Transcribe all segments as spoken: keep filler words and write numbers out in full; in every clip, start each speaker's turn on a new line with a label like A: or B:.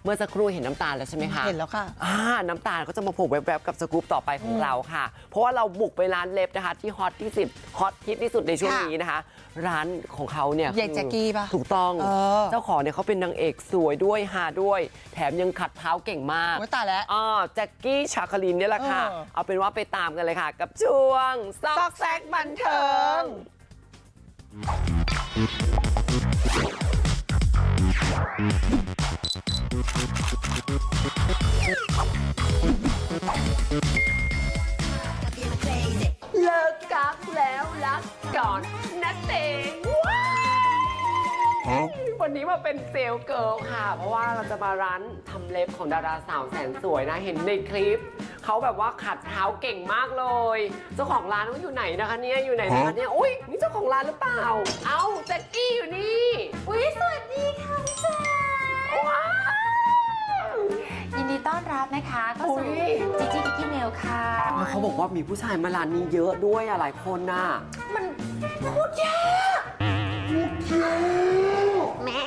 A: เมื่อสักครู่เห็นน้ำตาลแล้วใช่ไหมคะ
B: เห็นแล้วค่ะ
A: อ่าน้ำตาลก็จะมาโผล่แวบๆกับสกู๊ปต่อไปของเราค่ะเพราะว่าเราบุกไปร้านเล็บนะคะที่ฮอตที่สุดฮอตฮิตที่สุดในช่วงนี้นะคะร้านของเขาเนี่ย
B: ใหญ่แจ็กกี้ป่ะ
A: ถูกต้อง
B: เออ
A: เจ้าของเนี่ยเขาเป็นนางเอกสวยด้วยฮาด้วยแถมยังขัดเท้าเก่งมาก
B: โอ้ยตายแล้ว
A: อ๋อแจ็กกี้ชาคลินเนี่ยแหละค่ะ
B: เออ
A: เอาเป็นว่าไปตามกันเลยค่ะ กับช่วงซอกแซกบันเทิงเลิกกักแล้วรักก่อนนะเตงวันนี้มาเป็นเซลล์เกิร์ลค่ะ เพราะว่าเราจะมาร้านทำเล็บของดาราสาวแสนสวยนะเห็นในคลิปเขาแบบว่าขัดเท้าเก่งมากเลยเจ้าของร้านเขาอยู่ไหนนะคะเนี่ยอยู่ไหนนะคะเนี่ยอุ้ยนี่เจ้าของร้านหรือเปล่าเอ้าแจ็คกี้อยู่นี่อุ้ยสวัสดีค่ะพี่แจ๊คว้าว
C: ยินดีต้อนรับนะคะเข้าสู่จิจิกิกิเมลค่ะ
A: แล้วเขาบอกว่ามีผู้ชายมาร้านนี้เยอะด้วยอะหลายคนน่ะ
C: มันพูดยากพูดยากแม่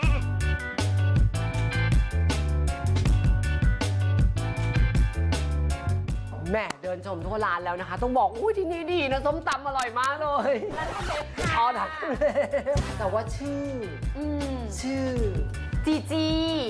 A: แม่เดินชมทั่วร้านแล้วนะคะ ต้องบอกอุ้ยที่นี่ดีนะส้มตำอร่อยมากเลยร้านทำเล็บค่ะอ๋อถักแต่ว่าชื่ออืมชื่อ
C: จีจี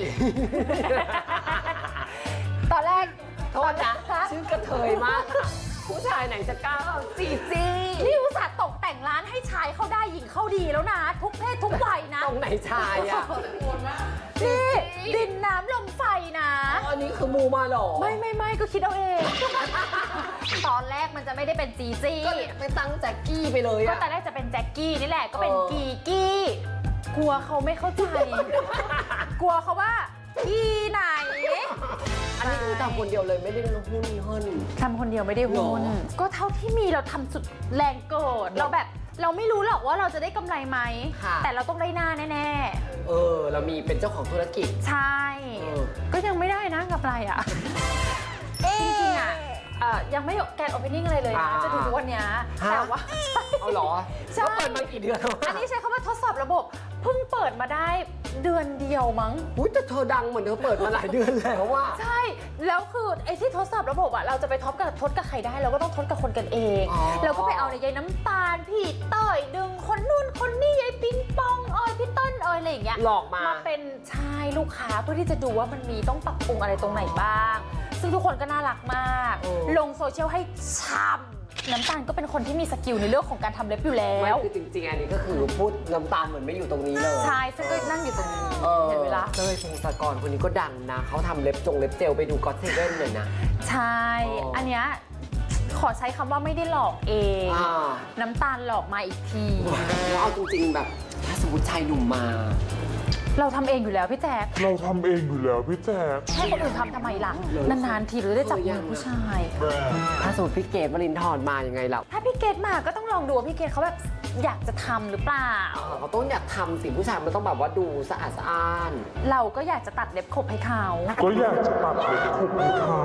C: ตอนแรก
A: โทษนะชื่อกระเทยมากค่ะผู้ชายไหนจะกล้าเอาจีจี
C: นี่อุตส่าห์ตกแต่งร้านให้ชายเข้าได้หญิงเข้าดีแล้วนะ ทุกเพศทุกวัยนะ
A: ตรงไหนชายอ่ะ
C: นี่ดินน้ำลมไฟนะ
A: อันนี้คือมูมาหรอ
C: ไม่ไม่ไม่ก็คิดเอาเอง ตอนแรกมันจะไม่ได้เป็นจีจี้
A: ก็ไปตั้งแจ็คกี้ไปเลย
C: ก็ตอนแรกจะเป็นแจ็คกี้นี่แหละก็เป็นกีกี้กลัวเขาไม่เข้าใจ กลัวเขาว่ากีไหน
A: อันนี้คือทำคนเดียวเลยไม่ได้หุ้นเฮิน
C: ทำคนเดียวไม่ได้หุ้นก็เท่าที่มีเราทำสุดแรงเกิดเราแบบเราไม่รู้หรอกว่าเราจะได้กำไรไหมแต่เราต้องได้หน้าแน่
A: ๆเออเรามีเป็นเจ้าของธุรกิจ
C: ใช่ก็ยังไม่ได้นะกำไรอ่ะจริงๆอ่ะยังไม่แกนโอเพนนิ่งอะไรเลยนะจะถึงวันนี้แต่ว่า
A: เอาหรอใช่เปิดมากี่เดือนแล้ว
C: อันนี้ใช้คำว่าทดสอบระบบเพิ่งเปิดมาได้เดือนเดียวมั้ง
A: อุ้ยแต่เธอดังเหมือนเธอเปิดมาหลายเดือนแล้วว่า
C: ใช่แล้วคือไอ้ที่ทดสอบระบบอ่ะเราจะไปทดกับทดกับใครได้เราก็ต้องทดกับคนกันเองเราก็ไปเอาในยายน้ำตาลพี่เต้ยดึงคนนู่นคนนี่ยายปิงปองเอ้ยพี่เต้นเอ้ยอะไรอย่างเงี้ย
A: หลอกมา
C: มาเป็นชายลูกค้าเพื่อที่จะดูว่ามันมีต้องปรับปรุงอะไรตรงไหนบ้างซึ่งทุกคนก็น่ารักมากลงโซเชียลให้ช้ำน้ำตาลก็เป็นคนที่มีสกิลในเรื่องของการทำเล็บอยู่แล้ว
A: คือจริงๆอันนี้ก็คือพูดน้ำตาลเหมือนไม่อยู่ตรงนี้เลย
C: ใช่ซึ่งก็นั่งอยู่ตรงนี้เห็นเวลา
A: เต้ยพงศกรคนนี้ก็ดังนะเขาทำเล็บจงเล็บเจลไปดูก็อตเซเว่นเลยนะ
C: ใช่อันเนี้ยขอใช้คำว่าไม่ได้หลอกเองน้ำตาลหลอกมาอีกที
A: แล้วเอาจริงๆแบบถ้าสมมติชายหนุ่มมา
C: เราทำเองอยู่แล้วพี่แจ๊ค
D: เราทำเองอยู่แล้วพี่แจ๊ค
C: ให้คนอื่นทำทำไมล่ะนานๆทีหรือได้จับมือผู้ชาย
A: ถ้าสมมติพี่เกดวรินทร์มายังไงเรา
C: ถ้าพี่เกดมาก็ต้องลองดูว่าพี่เกดเขาแบบอยากจะทำหรือเปล่า
A: เขาต้องอยากทำสิผู้ชายมันต้องแบบว่าดูสะอาดสะอ้าน
C: เราก็อยากจะตัดเล็บขบให้เขา
D: ก็อยากจะตัดเล็บขบให้เขา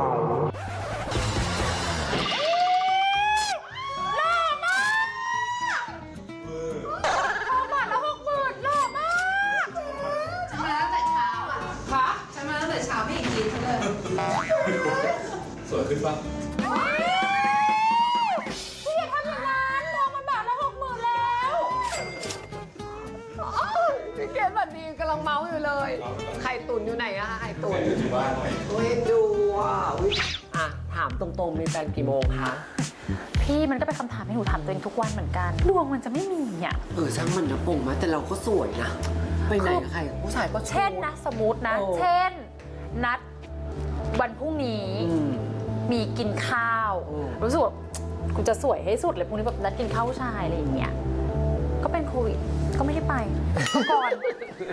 E: สวยขึ้นปะ
C: พี่อย่าทำอย่างนั้นทองมันบาทละหกหมื่นแล้ว
A: พี่เกดบัดดีกำลังเมาอยู่เลยไข่ตุ๋นอยู่ไหนอะคะไข่ตุ๋น
E: อยู่บ้านไหม
A: เฮ้ยดูอ่ะอ่ะถามตรงๆมีแฟนกี่โมงคะ
C: พี่มันก็เป็นคำถามให้หนูถามตัวเองทุกวันเหมือนกันดวงมันจะไม่มีอ่ะ
A: เออช่างมันนะปุ่งมาแต่เราก็สวยนะไปไหนกับใครผู้ชายก็
C: เช่นนะสมมตินะเช่นนัดวันพรุ่งนี้มีกินข้าวรู้สึกว่ากูจะสวยให้สุดเลยพรุ่งนี้แบบนัดกินข้าวผู้ชายอะไรอย่างเงี้ยก็เป็นโควิดก็ไม่ได้ไปก่อน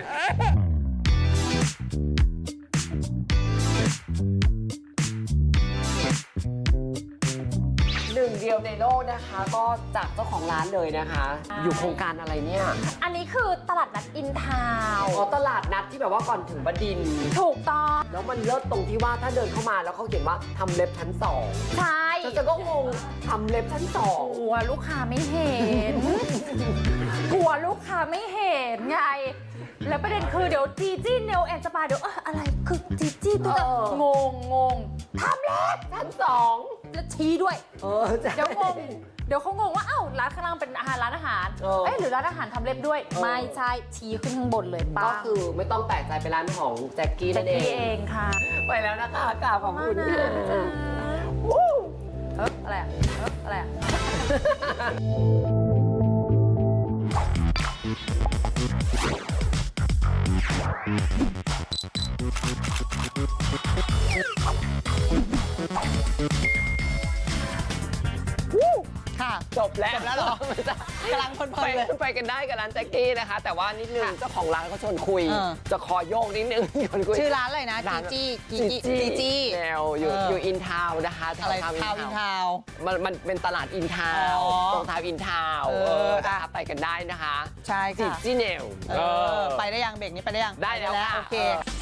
A: หนึ่งเดียวในโลกนะคะก็จากเจ้าของร้านเลยนะคะอยู่โครงการอะไรเนี่ย
C: อันนี้คือตลาดนัดอินทาวน์
A: อ๋อตลาดนัดที่แบบว่าก่อนถึงบดินทร์
C: ถูกต้อง
A: แล้วมันเลิศตรงที่ว่าถ้าเดินเข้ามาแล้วเขาเขียนว่าทำเล็บชั้นสอง
C: ใช่
A: จะก็งงทำเล็บชั้นสอง
C: กลัวลูกค้าไม่เห็น กลัวลูกค้าไม่เห็นไงแล้วประเด็นคือเดี๋ยวจีจี้เนลแอนสปาเดี๋ยวเอออะไรคือจีจี้ตัวจะ
A: เออ
C: งงงงทำเล็บ
A: ชั้นสอง
C: แล้วชี้ด้วย
A: เออใช่
C: เดี๋ยวงงเดี๋ยวเขางงว่าอ้าวร้านข้างล่างเป็นอาหารร้านอาหาร
A: เออ
C: เอ๊ะหรือร้านอาหารทำเล็บด้วย
A: เออ
C: ไม่ใช่ชี้ขึ้นข้างบนเลยป้า
A: ก็คือไม่ต้องแปลกใจเป็นร้านของแจ็คกี้
C: แจ็
A: นั่
C: คน
A: เอ
C: กี้เอง งค่ะ
A: ไปแล้วนะคะกราบขอบคุณ
C: มากนะ
A: ค่ะ
C: เอ๊ะอะไรอะเอ๊ะอะไรอะ
B: ค่ะ
A: จบแล้ว
B: จบแล้วเหรอ
A: ไม่ใช่
B: กำลังเพลินๆ
A: ไป
B: เลย
A: ไปกันได้กับร้านแจ็คกี้นะคะ แต่ว่านิดนึง
B: ค่ะ
A: เจ้าของร้านเขาชวนคุย
B: เออ
A: จะขอโยกนิดนึงชวนคุย
B: ชื่อร้านอะไรนะ
A: ร้าน
B: จีจี้จีจี้จีจี้
A: แนวอยู่
B: เออ
A: อ
B: อ
A: ยู่อินทาวน์นะคะแถว
B: อะไร
A: ทาวน์
B: ทาวน์อินทาวน์
A: มันมันเป็นตลาดอินทาวน์
B: อ๋อ
A: ตรงทาวน์อินทาวน์
B: เออ
A: เออ
B: อ่ะ
A: นะคะไปกันได้นะคะ
B: ใช่
A: จี
B: ค่ะ
A: จี้แนว
B: เออไปได้ยังเบรกนี้ไปได้ยัง
A: ได้แล้ว
B: ป
A: ค่ะ
B: โอเค
A: เออ